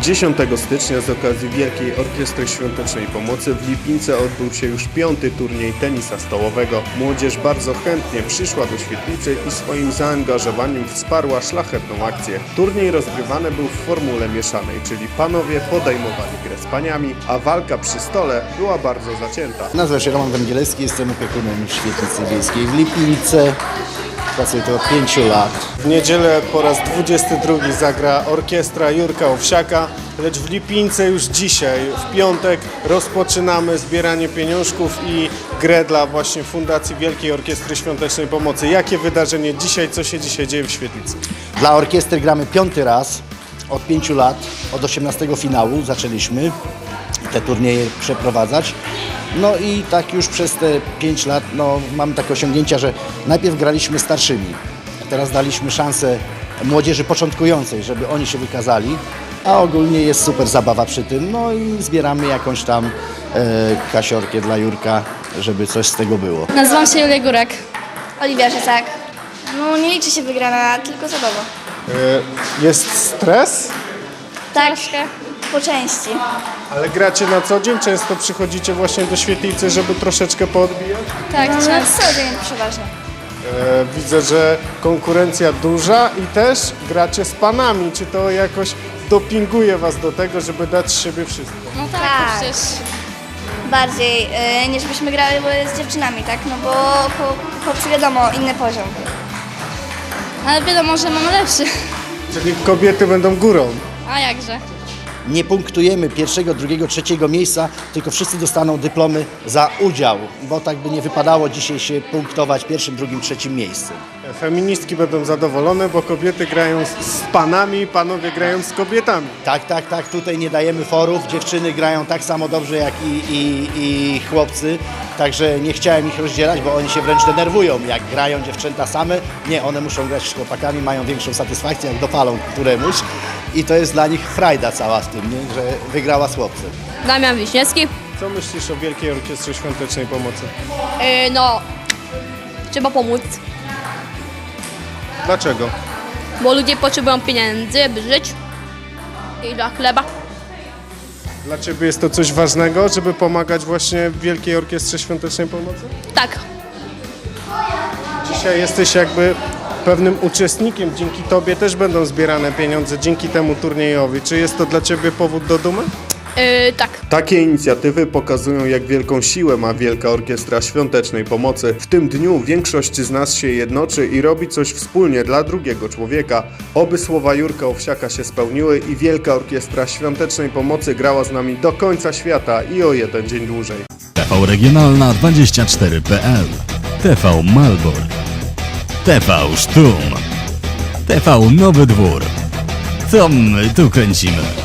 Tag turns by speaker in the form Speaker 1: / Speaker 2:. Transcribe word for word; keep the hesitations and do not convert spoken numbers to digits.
Speaker 1: dziesiątego stycznia z okazji Wielkiej Orkiestry Świątecznej Pomocy w Lipince odbył się już piąty turniej tenisa stołowego. Młodzież bardzo chętnie przyszła do Świetlicy i swoim zaangażowaniem wsparła szlachetną akcję. Turniej rozgrywany był w formule mieszanej, czyli panowie podejmowali grę z paniami, a walka przy stole była bardzo zacięta.
Speaker 2: Nazywam się Roman Węgielewski, jestem opiekunem Świetlicy Wiejskiej w Lipince. Pracuję tu od pięciu lat.
Speaker 1: W niedzielę po raz dwudziesty drugi zagra orkiestra Jurka Owsiaka, lecz w Lipince już dzisiaj, w piątek, rozpoczynamy zbieranie pieniążków i grę dla właśnie Fundacji Wielkiej Orkiestry Świątecznej Pomocy. Jakie wydarzenie dzisiaj, co się dzisiaj dzieje w Świetlicy?
Speaker 2: Dla orkiestry gramy piąty raz od pięciu lat, od osiemnastego finału zaczęliśmy te turnieje przeprowadzać. No i tak już przez te pięć lat no, mamy takie osiągnięcia, że najpierw graliśmy starszymi, a teraz daliśmy szansę młodzieży początkującej, żeby oni się wykazali, a ogólnie jest super zabawa przy tym, no i zbieramy jakąś tam e, kasiorkę dla Jurka, żeby coś z tego było.
Speaker 3: Nazywam się Julia Górek.
Speaker 4: Oliwia Rzecak. No nie liczy się wygrana, tylko zabawa.
Speaker 1: Jest stres,
Speaker 4: Tak, po części.
Speaker 1: ale gracie na co dzień? Często przychodzicie właśnie do Świetlicy, żeby troszeczkę poodbijać?
Speaker 3: Tak,
Speaker 4: No,
Speaker 3: często.
Speaker 4: cały dzień przeważnie.
Speaker 1: E, widzę, że konkurencja duża i też gracie z panami. Czy to jakoś dopinguje was do tego, żeby dać z siebie wszystko?
Speaker 3: No tak,
Speaker 4: Tak.
Speaker 3: to przecież
Speaker 4: Bardziej y, niż byśmy grały z dziewczynami, tak? No bo chłop- chłopcy wiadomo, inny poziom.
Speaker 3: ale wiadomo, że mamy lepszy.
Speaker 1: Czyli kobiety będą górą.
Speaker 3: A jakże?
Speaker 2: Nie punktujemy pierwszego, drugiego, trzeciego miejsca, tylko wszyscy dostaną dyplomy za udział, bo tak by nie wypadało dzisiaj się punktować pierwszym, drugim, trzecim miejscem.
Speaker 1: Feministki będą zadowolone, bo kobiety grają z, z panami, panowie grają z kobietami.
Speaker 2: Tak, tak, tak, tutaj nie dajemy forów, dziewczyny grają tak samo dobrze jak i, i, i chłopcy, także nie chciałem ich rozdzielać, bo oni się wręcz denerwują, jak grają dziewczęta same. Nie, one muszą grać z chłopakami, mają większą satysfakcję, jak dopalą któremuś i to jest dla nich frajda cała w tym, nie? Że wygrała z chłopcem.
Speaker 5: Damian Wiśniewski.
Speaker 1: Co myślisz o Wielkiej Orkiestrze Świątecznej Pomocy?
Speaker 5: Yy, no, trzeba pomóc,
Speaker 1: Dlaczego?
Speaker 5: bo ludzie potrzebują pieniędzy, by żyć i dla chleba.
Speaker 1: Dla ciebie jest to coś ważnego, żeby pomagać właśnie Wielkiej Orkiestrze Świątecznej Pomocy?
Speaker 5: Tak,
Speaker 1: Dzisiaj jesteś jakby pewnym uczestnikiem, dzięki tobie też będą zbierane pieniądze dzięki temu turniejowi. Czy jest to dla ciebie powód do dumy?
Speaker 5: yy, tak.
Speaker 1: Takie inicjatywy pokazują, jak wielką siłę ma Wielka Orkiestra Świątecznej Pomocy. W tym dniu większość z nas się jednoczy i robi coś wspólnie dla drugiego człowieka. Oby słowa Jurka Owsiaka się spełniły i Wielka Orkiestra Świątecznej Pomocy grała z nami do końca świata i o jeden dzień dłużej.
Speaker 6: T V Regionalna dwadzieścia cztery kropka p l, T V Malbork, T V Sztum, T V Nowy Dwór. Co my tu kręcimy?